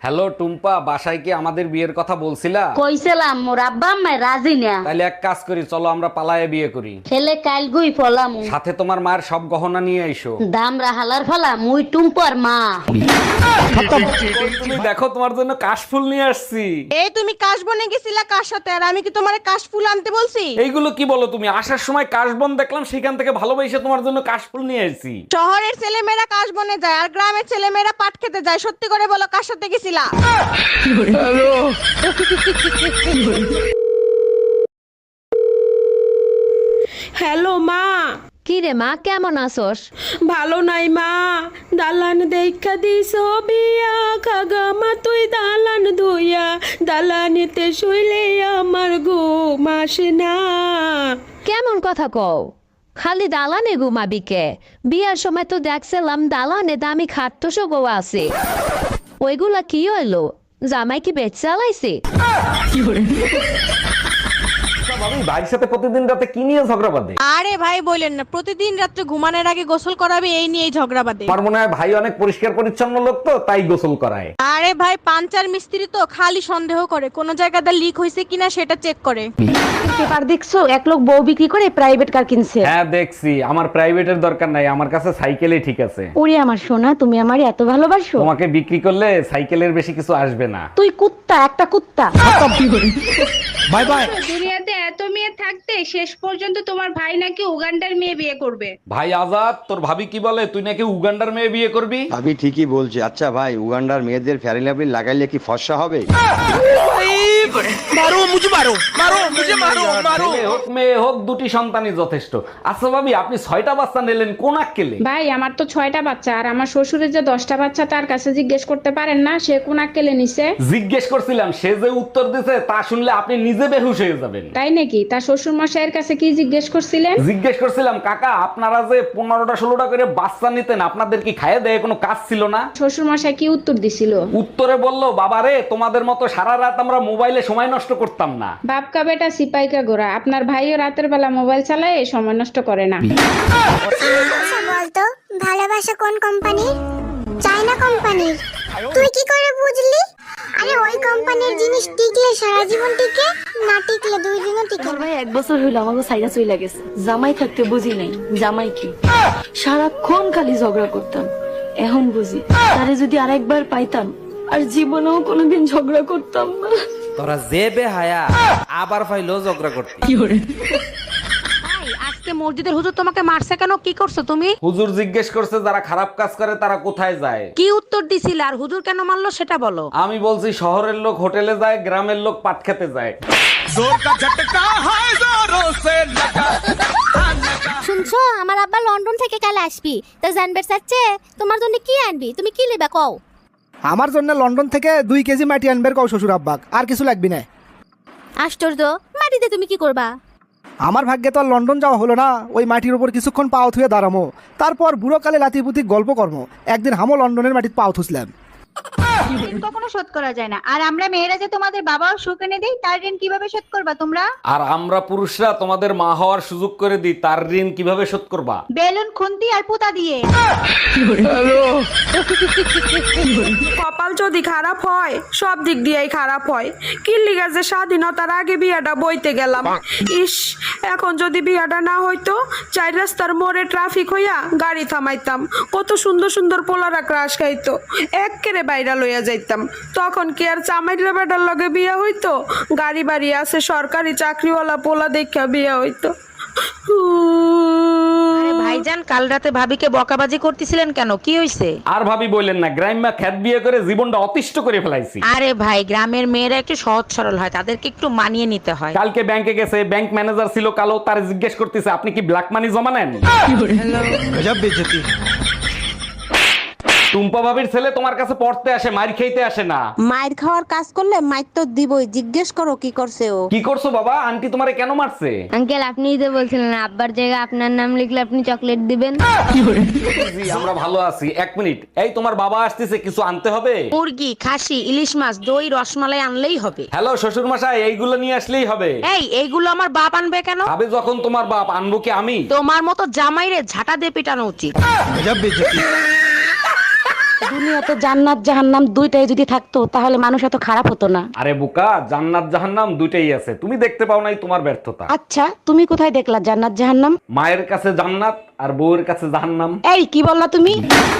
Hello Tumpa, বাসায় কি আমাদের বিয়ের কথা বলছিলা? কইছিলাম মোর আব্বা আম্মা রাজি না। তাইলে এক কাজ করি, চলো আমরা পালায়ে বিয়ে করি। ছেলে কাল গুই ফলাম সাথে তোমার মায়ের সব গহনা নিয়ে আইসো। দামরা হালার ফলা মুই টুম্পর মা। তুমি দেখো, তোমার জন্য কাশফুল নিয়ে আসছি। এই তুমি কাশবনে গেছিলা কার সাথে? আর আমি কি তোমারে কাশফুল আনতে বলছি? এইগুলো কি বলো তুমি? আসার সময় কাশবন দেখলাম, সেখান থেকে ভালোবেসে তোমার জন্য কাশফুল নিয়ে আসছি। শহরের ছেলেমেয়েরা কাশবনে যায় আর গ্রামের ছেলেমেয়েরা পাট খেতে যায়। সত্যি করে বলো, কার সাথে গেছিলা? হ্যালো মা। কি রে মা, কেমন আছোস? ভালো নাই মা, দালান দেখা দিস বিয়া খাগা মা, তুই দালান ধুইয়া দালানিতে শুইলে আমার ঘুম আসে না। কেমন কথা কও? খালি দালানে ঘুমাবি কে? বিয়ার সময় তো দেখছিলাম দালানে দামি খাট্টসো গো আছে। ওইগুলা কি হইলো? জামাই কি বেচ চালাইছে? ভাবি, ভাইয়ের সাথে প্রতিদিন রাতে কি নিয়ে ঝগড়া বাঁধে? আরে ভাই বলেন না, প্রতিদিন রাত্রে ঘুমানোর আগে গোসল করাবে, এই নিয়েই ঝগড়া বাঁধে। আমার মনে হয় ভাই অনেক পরিষ্কার পরিচ্ছন্ন লোক, তো তাই গোসল করায়। আরে ভাই, পাঞ্চার মিস্ত্রি তো খালি সন্দেহ করে কোন জায়গাটা লিক হয়েছে কিনা সেটা চেক করে। পেপার দেখছো, এক লোক বউ বিক্রি করে প্রাইভেট কার কিনছে। হ্যাঁ দেখছি, আমার প্রাইভেটের দরকার নাই, আমার কাছে সাইকেলই ঠিক আছে। ওরে আমার সোনা, তুমি আমার এত ভালোবাসো। তোমাকে বিক্রি করলে সাইকেলের বেশি কিছু আসবে না। তুই কুত্তা, একটা কুত্তা। Bye bye. দুনিয়াতে এত মেয়ে থাকতে শেষ পর্যন্ত তোমার ভাই নাকি উগান্ডার মেয়ে বিয়ে করবে। ভাই আজাদ, তোর ভাবি কি বলে? তুই নাকি উগান্ডার মেয়ে বিয়ে করবি? ভাবি ঠিকই বলছে। আচ্ছা ভাই, উগান্ডার মেয়েদের ফেয়ারি লাভলি লাগাইলে কি ফর্সা হবে? ছেলে হোক মেয়ে হোক, দুটি সন্তানই যথেষ্ট। আচ্ছা ভাবি, আপনি 6টা বাচ্চা নিলেন, কোন আক্কেলে? ভাই আমার তো 6টা বাচ্চা, আর আমার শ্বশুরের যে 10টা বাচ্চা, তার কাছে জিজ্ঞেস করতে পারেন না সে কোন আক্কেলে নিছে? জিজ্ঞেস করছিলাম, সে যে উত্তর দিছে তা শুনলে আপনি নিজে বেহুশ হয়ে যাবেন। তাই নাকি? তার শ্বশুর মশাইয়ের কাছে কি জিজ্ঞেস করছিলেন? জিজ্ঞেস করছিলাম, কাকা আপনারা যে 15টা 16টা করে বাচ্চা নিতেন, আপনাদের কি খাইয়ে দেয় কোনো কাজ ছিল না? শ্বশুর মশাই কি উত্তর দিছিল? উত্তরে বললো, বাবারে তোমাদের মতো সারা রাত আমরা মোবাইলে সময় নষ্ট করতাম না। বাপকা বেটা সিপাইকা গোরা, আপনার ভাইও রাতের বেলা মোবাইল চালায়, সময় নষ্ট করে না। আচ্ছা বলতো, ভালোবাসা কোন কোম্পানির? চায়না কোম্পানির। তুই কি করে বুঝলি? আরে ওই কোম্পানির জিনিস টিকলে সারা জীবন টিকে, না টিকলে 2 দিনও টিকে না। ভাই 1 বছর হইলো আমাকে সাইরা চইলা গেছে। জামাই থাকতে বুঝি নাই জামাই কি, সারাক্ষণ খালি ঝগড়া করতাম। এখন বুঝি তারে যদি আরেকবার পাইতাম আর জীবনেও কোনোদিন ঝগড়া করতাম না। তোরা যে বেহায়া আবার ফাইলো ঝগড়া করতে। আজকে মসজিদের হুজুর তোমাকে মারছে কেন? কি করছো তুমি? হুজুর জিজ্ঞেস করছে যারা খারাপ কাজ করে তারা কোথায় যায়। কি উত্তর দিছিল আর হুজুর কেন মারলো সেটা বলো। আমি বলছি শহরের লোক হোটেলে যায়, গ্রামের লোক পাট খেতে যায়। শুনছো, আমার আব্বা লন্ডন থেকে কাল আসবি, তো জানবে চাচ্ছে তোমার জন্য কি আনবি, তুমি কি নেবা কও? আমার জন্য লন্ডন থেকে 2 কেজি মাটি আনবের কও শ্বশুর আব্বাক, আর কিছু লাগবি না। আশ্চর্য, মাটিতে তুমি কি করবা? আমার ভাগ্যে তো আর লন্ডন যাওয়া হলো না, ওই মাটির উপর কিছুক্ষণ পাও থুয়ে দাঁড়ামো, তারপর বুড়ো কালে লাতিপুতি গল্প কর্ম। একদিন হামো লন্ডনের মাটির পাও থুসলাম। কখনো শোধ করা যায় না, আর আমরা মেয়েরা যে তোমাদের বাবাও সুখ এনে দেই, তার ঋণ কিভাবে শোধ করবা তোমরা? আর আমরা পুরুষরা তোমাদের মা হওয়ার সুযোগ করে দিই, তার ঋণ কিভাবে শোধ করবা? বেলুন, খুন্তি আর পুতা দিয়ে। কপাল যদি খারাপ হয় সব দিক দিয়েই খারাপ হয়। কিল্লিগা যে স্বাধীনতার আগে বিয়াটা বইতে গেলাম। ইস, এখন যদি বিয়াটা না হইতো, 4 রাস্তার মোড়ে ট্রাফিক হইয়া গাড়ি থামাইতাম, কত সুন্দর সুন্দর পোলারা ক্রাশ খাইতো, এক্কেরে বাইরা লইয়া যাইতাম। তখন কি আর চামাইরা বেটার লগে বিয়া হইতো? গাড়ি বাড়ি আছে, সরকারি চাকরিওয়ালা পোলা দেখা বিয়া হইতো। ভাইজান, কাল রাতে ভাবিকে বকাবাজি করতেছিলেন কেন? কি হইছে? আর ভাবি বললেন না, গ্রাম্য খ্যাত বিয়ে করে জীবনটা অতিষ্ঠ করে ফেলাইছি। আরে ভাই, গ্রামের মেয়েরা একটু সহজ সরল হয়, তাদেরকে একটু মানিয়ে নিতে হয়। কালকে ব্যাংকে গেছে, ব্যাংক ম্যানেজার ছিল কালো, তার জিজ্ঞেস করতেছে আপনি কি ব্ল্যাক মানি জমা নেন? টুম্পা ভাবির ছেলে তোমার কাছে পড়তে আসে, মার খেতে আসে না। মায়ের খাওয়ার কাজ করলে মাইর তো দিবই। জিজ্ঞেস করো কি করছে ও। কি করছো বাবা? আন্টি তোমারে কেন মারছে? আঙ্কেল, আপনিই তো বলছিলেন আব্বার জায়গায় আপনার নাম লিখলে আপনি চকলেট দিবেন। জি, আমরা ভালো আছি। 1 মিনিট, এই তোমার বাবা আসতেছে, কিছু আনতে হবে? মুরগি, খাসি, ইলিশ মাছ, দই, রসমালাই আনলেই হবে। হ্যালো শ্বশুর মশাই, এইগুলো নিয়ে আসলেই হবে। এইগুলো আমার বাপ আনবে কেন? ভাবে যখন তোমার বাপ, আনবো কি আমি? তোমার মতো জামাইরে ঝাঁটা দিয়ে পিটানো উচিত। দুনিয়াতে জান্নাত জাহান্নাম দুইটাই যদি থাকতো তাহলে মানুষ এত খারাপ হতো না। আরে বোকা, জান্নাত জাহান্নাম দুইটাই আছে, তুমি দেখতে পাও নাই, তোমার ব্যর্থতা। আচ্ছা তুমি কোথায় দেখলা জান্নাত জাহান্নাম? মায়ের কাছে জান্নাত আর বউয়ের কাছে জাহান্নাম। এই কি বললা তুমি?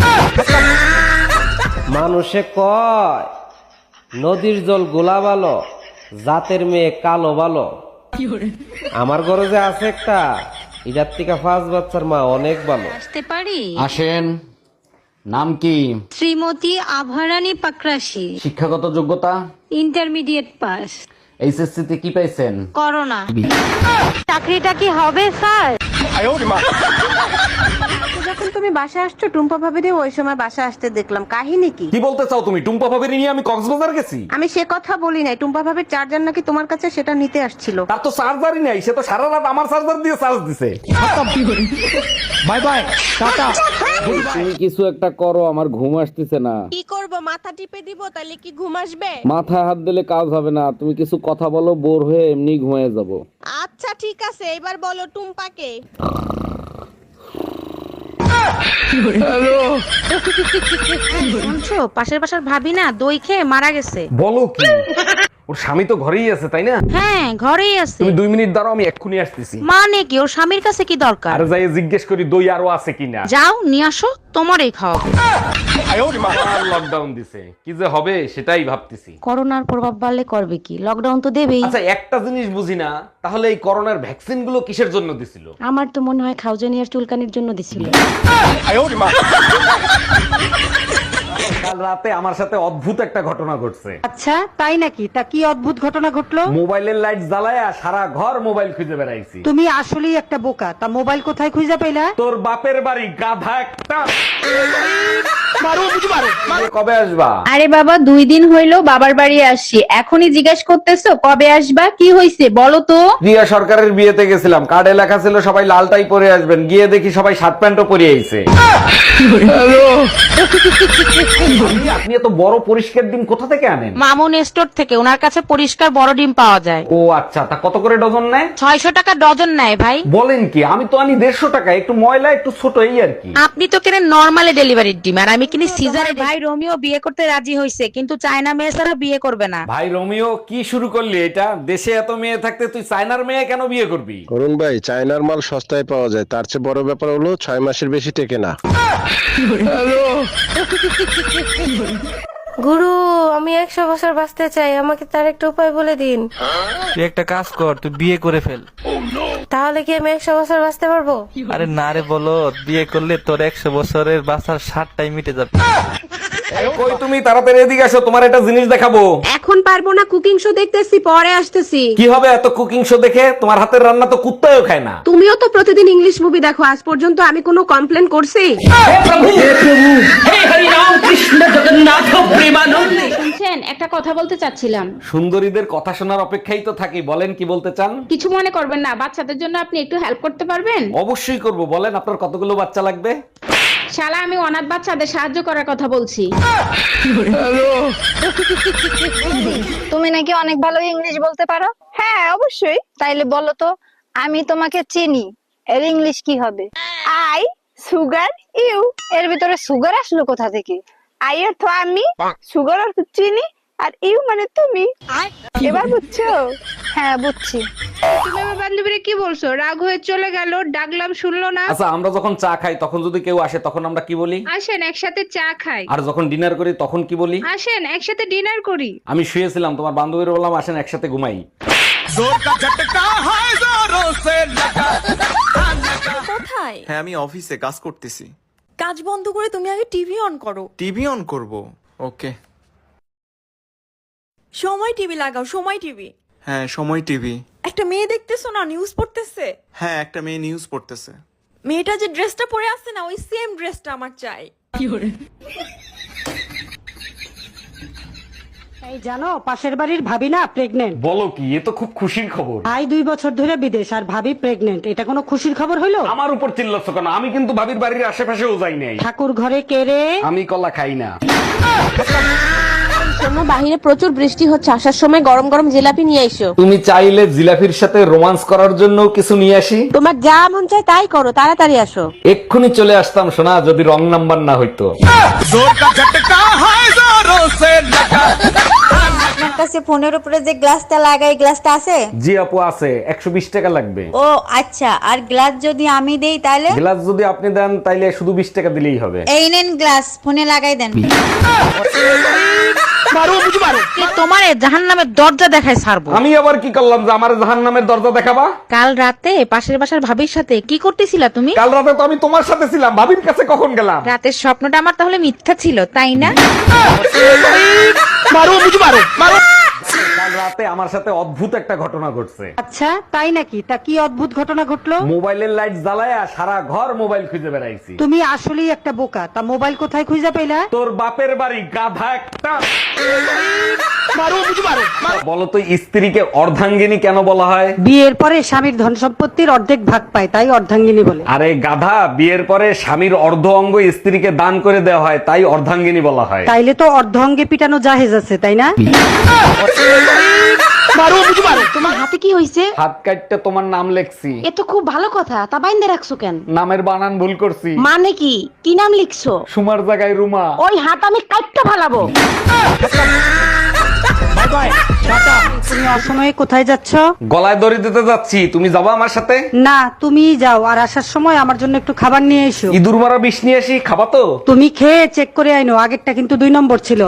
মানুষে কয় নদীর জল গোলা ভালো, জাতের মেয়ে কালো ভালো। আমার ঘরে যে আছে একটা, এটার থেকে 5 বাচ্চার মা অনেক ভালো। আসতে পারি? আসেন। নাম কি? শ্রীমতী আভারানী পাকরাশি। শিক্ষাগত যোগ্যতা? Intermediate pass. এইচএসসি তে কি পাইছেন? করোনা। চাকরিটা কি হবে স্যার? যখন তুমি বাসা আসছো টুম্পা ভাবিরে ওই সময় বাসা আসতে দেখলাম, কাহিনী কি? কি বলতে চাও তুমি? টুম্পা ভাবির নিয়ে আমি কক্সবাজার গেছি? আমি সে কথা বলি নাই, টুম্পা ভাবির চার্জার নাকি তোমার কাছে, সেটা নিতে আসছিল। তার তো চার্জারই নাই, সে তো সারা রাত আমার চার্জার দিয়ে চার্জ দিছে। Bye bye, tata. তুমি কিছু একটা করো, আমার ঘুম আসতেছে না। কি করব, মাথা টিপে দিব তাহলে কি ঘুম আসবে? মাথায় হাত দিলে কাজ হবে না, তুমি কিছু কথা বলো, বোর হয়ে এমনি ঘুমিয়ে যাব। আচ্ছা ঠিক আছে, এবার বলো টুম্পাকে। শুনছো, পাশের বাসার ভাবি না দই খেয়ে মারা গেছে। বলো কি? ওর স্বামী তো ঘরেই আছে, তাই না? হ্যাঁ ঘরেই আছে। তুমি 2 মিনিট দাঁড়াও, আমি এক্ষুনি আসতেছি। মানে কি, ওর স্বামীর কাছে কি দরকার? আর যাই জিজ্ঞেস করি দই আরো আছে কিনা। যাও নিয়ে আসো, তোমারই খাওয়াবো। লকডাউন দিছে, কি যে হবে সেটাই ভাবতেছি। করোনার প্রভাব বাড়লে করবে কি, লকডাউন তো দেবেই। আচ্ছা একটা জিনিস বুঝি না, তাহলে এই করোনার ভ্যাকসিন গুলো কিসের জন্য দিছিল? আমার তো মনে হয় খাউজানিয়ার চুলকানির জন্য দিছিল। কাল রাতে আমার সাথে অদ্ভুত একটা ঘটনা ঘটছে। আচ্ছা তাই নাকি? তা কি অদ্ভুত ঘটনা ঘটলো? মোবাইলের লাইট জ্বালায়া সারা ঘর মোবাইল খুঁজে বেড়াইছি। তুমি আসলেই একটা বোকা। তা মোবাইল কোথায় খুঁজে পেলা? তোর বাপের বাড়ি, গাধা একটা। কবে আসবা? আরে বাবা 2 দিন হইলো বাবার বাড়ি আসছি, এখনই জিজ্ঞেস করতেছো কবে আসবা? কি হইছে বলো তো? প্রিয়া সরকারের বিয়েতে গেছিলাম, কার্ডে লেখা ছিল সবাই লালটাই পরে আসবেন, গিয়ে দেখি সবাই শার্ট প্যান্টও পরে আইছে। আপনি এত বড় পরিষ্কার ডিম কোথা থেকে আনেন? মামুন স্টোর থেকে, ওনার কাছে পরিষ্কার বড় ডিম পাওয়া যায়। ও আচ্ছা, তা কত করে ডজন নেয়? 600 টাকা ডজন নেয় ভাই। বলেন কি? আমি তো আনি 150 টাকা, একটু ময়লা একটু ছোট, এই আর কি। আপনি তো কেনেন নরমালি ডেলিভারির ডিম, আর আমি কিনি সিজারে। ভাই রোমিও বিয়ে করতে রাজি হইছে, কিন্তু চায়না মেয়ে ছাড়া বিয়ে করবে না। ভাই রোমিও, কি শুরু করলি এটা? দেশে এত মেয়ে থাকতে তুই চায়নার মেয়ে কেন বিয়ে করবি? অরুণ ভাই, চায়নার মাল সস্তায় পাওয়া যায়, তার চেয়ে বড় ব্যাপার হলো 6 মাসের বেশি টেকে না। গুরু, আমি 100 বছর বাঁচতে চাই, আমাকে তার একটা উপায় বলে দিন। তুই একটা কাজ কর, তুই বিয়ে করে ফেল। তাহলে কি আমি 100 বছর বাঁচতে পারবো? আরে না রে বলো, বিয়ে করলে তোর 100 বছরের বাঁচার 60টাই মিটে যাবে। কই তুমি? তাড়াতাড়ি এদিকে আসো, তোমার একটা জিনিস দেখাবো। এখন পারবো না, কুকিং শো দেখতেছি, পরে আসতেছি। কি হবে এত কুকিং শো দেখে? তোমার হাতের রান্না তো কুত্তাও খায় না। তুমিও তো প্রতিদিন ইংলিশ মুভি দেখো, আজ পর্যন্ত আমি কোনো কমপ্লেন করছি? শুনছেন, একটা কথা বলতে চাচ্ছিলাম। সুন্দরীদের কথা শোনার অপেক্ষাই তো থাকি, বলেন কি বলতে চান? কিছু মনে করবেন না, বাচ্চাদের জন্য আপনি একটু হেল্প করতে পারবেন? অবশ্যই করব, বলেন আপনার কতগুলো বাচ্চা লাগবে? শালা, আমি অনাথ বাচ্চাদের সাহায্য করার কথা বলছি। তুমি নাকি অনেক ভালো ইংলিশ বলতে পারো? হ্যাঁ অবশ্যই। তাইলে বলো তো, আমি তোমাকে চিনি, এর ইংলিশ কি হবে? I sugar you. এর ভিতরে সুগার আসলো কোথা থেকে? আই অর্থ আমি, সুগার অর্থ চিনি, আর ইউ মানে তুমি। এবার বুঝছো? হ্যাঁ বুঝছি। তুমি আমার বান্ধবীরে কি বলছো? রাগ হয়ে চলে গেল, ডাকলাম শুনলো না। আচ্ছা, আমরা যখন চা খাই তখন যদি কেউ আসে তখন আমরা কি বলি? আসেন একসাথে চা খাই। আর যখন ডিনার করি তখন কি বলি? আসেন একসাথে ডিনার করি। আমি শুয়েছিলাম, তোমার বান্ধবীর বললাম আসেন একসাথে ঘুমাই। কোথায়? হ্যাঁ আমি অফিসে কাজ করতেছি। কাজ বন্ধ করে তুমি আগে টিভি অন করো। টিভি অন করব? ওকে। সময় টিভি লাগাও, সময় টিভি। হ্যাঁ সময় টিভি। একটা মেয়ে দেখতেছো না, নিউজ পড়তেছে? হ্যাঁ একটা মেয়ে নিউজ পড়তেছে। মেয়েটা যে ড্রেসটা পরে আছে না, ওই সেম ড্রেসটা আমার চাই। এই জানো, পাশের বাড়ির ভাবি না প্রেগনেন্ট। বলো কি? এ তো খুব খুশির খবর। ভাই 2 বছর ধরে বিদেশ, আর ভাবি প্রেগনেন্ট, এটা কোনো খুশির খবর হইলো? আমার উপর চিল্লাচ্ছ কেন? আমি কিন্তু ভাবির বাড়ির আশেপাশেও যাই নাই। ঠাকুর ঘরে কে রে? আমি কলা খাই না। শোনো বাহিরে প্রচুর বৃষ্টি হচ্ছে, আসার সময় গরম গরম জিলাপি নিয়ে এসো। তুমি চাইলে জিলাফির সাথে রোমান্স করার জন্য কিছু নিয়ে আসি। তোমার যা মন চায় তাই করো, তাড়াতাড়ি আসো। এক্ষুনি চলে আসতাম সোনা, যদি রং নাম্বার না হইতো। আপনার কাছে ফোনের উপরে যে গ্লাসটা লাগাই, গ্লাসটা আছে? জি আপু আছে, 120 টাকা লাগবে। ও আচ্ছা, আর গ্লাস যদি আমি দেই তাহলে? গ্লাস যদি আপনি দেন তাইলে শুধু 20 টাকা দিলেই হবে। এই নেন গ্লাস, ফোনে লাগাই দেন। তোমার জাহান্নামের দরজা দেখায় ছাড়বো। আমি আবার কি করলাম যে আমার জাহান্নামের দরজা দেখাবা? কাল রাতে পাশের বাসার ভাবির সাথে কি করতেছিলা তুমি? কাল রাতে তো আমি তোমার সাথে ছিলাম, ভাবির কাছে কখন গেলাম? রাতের স্বপ্নটা আমার তাহলে মিথ্যা ছিল, তাই না? কাল রাতে আমার সাথে অদ্ভুত একটা ঘটনা ঘটছে। আচ্ছা তাই নাকি? তা কি অদ্ভুত ঘটনা ঘটলো? মোবাইলের লাইট জ্বালায়া সারা ঘর মোবাইল খুঁজে বেড়াইছি। তুমি আসলেই একটা বোকা। তা মোবাইল কোথায় খুঁজে পেলা? তোর বাপের বাড়ি, গাধা একটা। বলো তো, স্ত্রীকে অর্ধাঙ্গিনী কেন বলা হয়? বিয়ের পরে স্বামীর ধন সম্পত্তির অর্ধেক ভাগ পায়, তাই অর্ধাঙ্গিনী বলে। আরে গাধা, বিয়ের পরে স্বামীর অর্ধ অঙ্গ স্ত্রীকে দান করে দেওয়া হয়, তাই অর্ধাঙ্গিনী বলা হয়। তাইলে তো অর্ধ অঙ্গে পিটানো জাহেজ আছে, তাই না? তোমার হাতে কি হইছে? হাত কাটতে তোমার নাম লেখছি। এ তো খুব ভালো কথা, তা বাইন্দে রাখছো কেন? নামের বানান ভুল করছি। মানে কি? কি নাম লিখছো? সুমার জায়গায় রুমা। ওই হাত আমি কাটতে ফালাবো। তুমি অসময়ে কোথায় যাচ্ছ? গলায় দড়ি দিতে যাচ্ছি, তুমি যাবা আমার সাথে? না, তুমি যাও, আর আসার সময় আমার জন্য একটু খাবার নিয়ে এসো। ইঁদুর মারা বিষ নিয়ে আসি, খাবা তো? তুমি খেয়ে চেক করে আইনো, আগেরটা কিন্তু 2 নম্বর ছিল।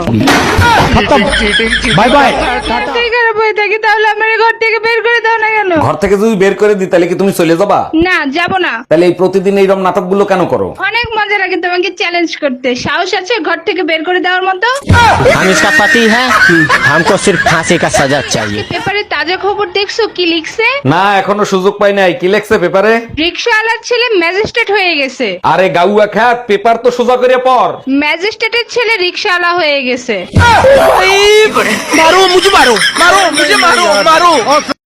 Bye bye. তাহলে আমার ঘর থেকে বের করে দাও না কেন? ঘর থেকে যদি বের করে দিই তাহলে কি তুমি চলে যাবা? না, যাব না। তাহলে এই প্রতিদিন এইরকম নাটকগুলো কেন করো? অনেক মজা লাগে তোমাকে চ্যালেঞ্জ করতে। সাহস আছে ঘর থেকে বের করে দেওয়ার মতো? हम इसका पति है, हमको सिर्फ फांसी का सजा चाहिए। পেপারে তাজা খবর দেখছো কি লিখছে? না, এখনো সুযোগ পাই নাই। কি লেখছে পেপারে? রিকশাওয়ালার ছেলে ম্যাজিস্ট্রেট হয়ে গেছে। আরে গাউয়া খ্যাত, পেপার তো সোজা করে পড়। ম্যাজিস্ট্রেটের ছেলে রিকশাওয়ালা হয়ে গেছে। মারো মুঝে, মারো মারো মুঝে, মারো মারো।